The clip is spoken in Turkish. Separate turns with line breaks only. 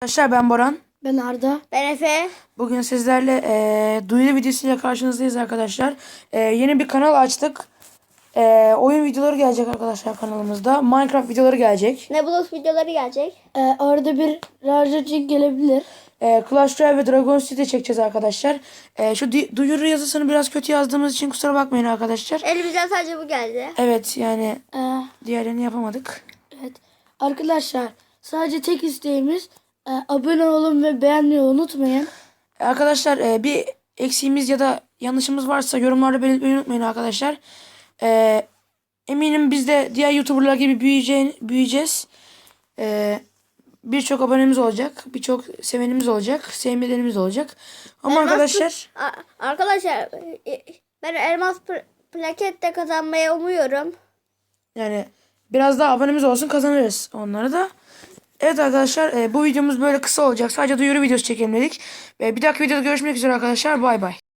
Arkadaşlar ben Boran.
Ben Arda.
Ben Efe.
Bugün sizlerle duyuru videosuyla karşınızdayız arkadaşlar. Yeni bir kanal açtık. Oyun videoları gelecek arkadaşlar kanalımızda. Minecraft videoları gelecek.
Nebulous videoları gelecek.
Orada bir Rarcacık gelebilir.
Clash Royale ve Dragon City çekeceğiz arkadaşlar. Şu duyuru yazısını biraz kötü yazdığımız için kusura bakmayın arkadaşlar.
Elimizden sadece bu geldi.
Evet yani
Ee,
diğerlerini yapamadık.
evet. Arkadaşlar sadece tek isteğimiz abone olun ve beğenmeyi unutmayın.
Arkadaşlar bir eksiğimiz ya da yanlışımız varsa yorumlarda belirtmeyi unutmayın arkadaşlar. Eminim biz de diğer YouTuber'lar gibi büyüyeceğiz. Birçok abonemiz olacak. Birçok sevenimiz olacak. Sevmelerimiz olacak. Ama arkadaşlar
Arkadaşlar ben elmas plaket de kazanmayı umuyorum.
yani biraz daha abonemiz olsun kazanırız onları da. Evet arkadaşlar bu videomuz böyle kısa olacak. Sadece duyuru videosu çekelim dedik. Bir dahaki videoda görüşmek üzere arkadaşlar. Bay bay.